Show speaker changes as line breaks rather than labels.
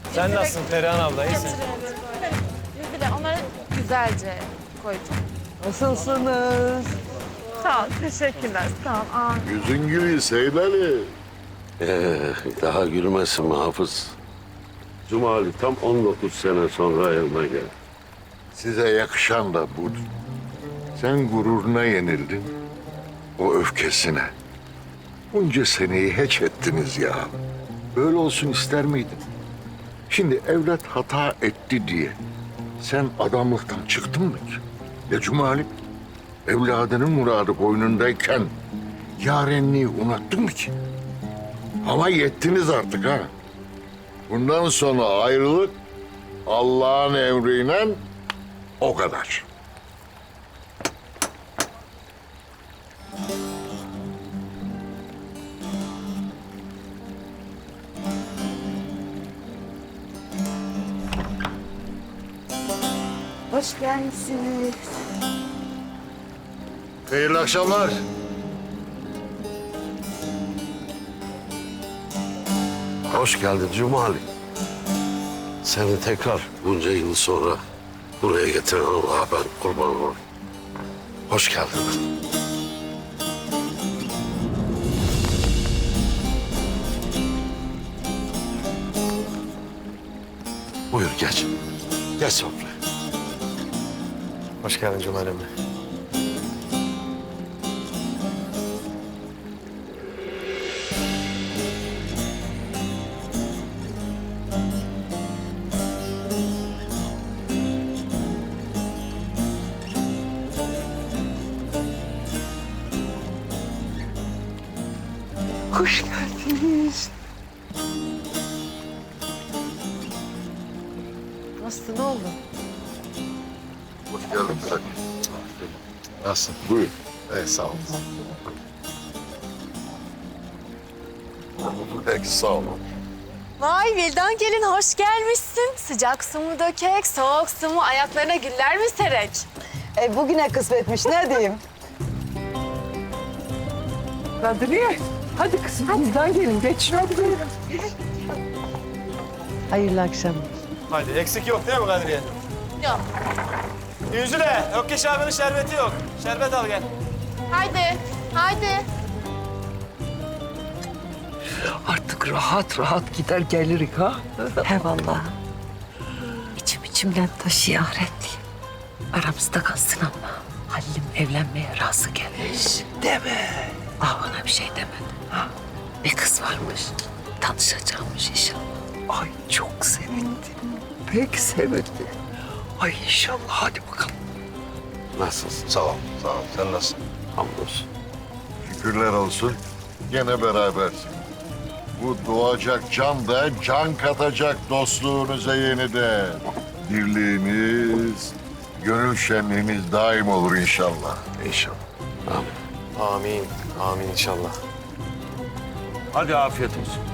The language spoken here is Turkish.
Sen nasılsın Perihan abla? İyisin.
Bir de onları güzelce koydum.
Nasılsınız?
Sağ ol, teşekkürler. Sağ ol. Aa,
Yüzün gülüyor Seyit Ali.
Daha gülmesin mi Hafız? Cumali tam 19 sene sonra evime geldi.
Size yakışan da budur. Sen gururuna yenildin. O öfkesine. Bunca seneyi hiç ettiniz ya. Böyle olsun ister miydin? Şimdi evlat hata etti diye sen adamlıktan çıktın mı ki? Ya Cumali, evladının muradı boynundayken yarenliği unuttun mu ki? Ama yettiniz artık ha. Bundan sonra ayrılık Allah'ın emriyle o kadar.
Hoş gelmişsiniz.
Hayırlı akşamlar.
Hoş geldin Cumali. Seni tekrar bunca yıl sonra buraya getiren Allah'a ben kurban olurum. Hoş geldin. Buyur geç. Geç sofraya.
Hoş geldin Cumali emmi.
Hoş geldiniz.
nasıl, ne oldu?
Hoş geldin sen.
Nasılsın?
Buyur.
Evet, sağ ol.
Peki sağ olun.
Vay Vildan gelin, hoş gelmişsin. Sıcak su mu dökek, soğuk su mu, ayaklarına güller mi serek?
Bugüne kısmetmiş ne diyeyim? Kadriye, hadi kızım bizden gelin. Geç. Hadi buyurun. Hayırlı akşamlar.
Hadi eksik yok değil mi Kadriye?
Yok.
Yüzüle. Yok ki Şaban'ın şerbeti yok. Şerbet al gel.
Haydi, haydi.
Artık rahat rahat gider gelirik ha.
He vallahi. İçimden taşıyor ahretliyim. Aramızda kalsın ama Halil'im evlenmeye razı gelmiş.
Deme.
Ona bir şey demedi. Bir kız varmış. Tanışacakmış inşallah.
Ay çok sevindim. Pek sevindim. Ay inşallah hadi bakalım.
Nasılsın?
Sağ ol. Sağ ol. Sen nasılsın?
Hamdolsun.
Şükürler olsun. Gene berabersin. Bu doğacak can da can katacak dostluğunuza yeniden. Birliğiniz, gönül şenliğiniz daim olur inşallah. İnşallah.
Amin.
Amin. Amin inşallah.
Hadi afiyet olsun.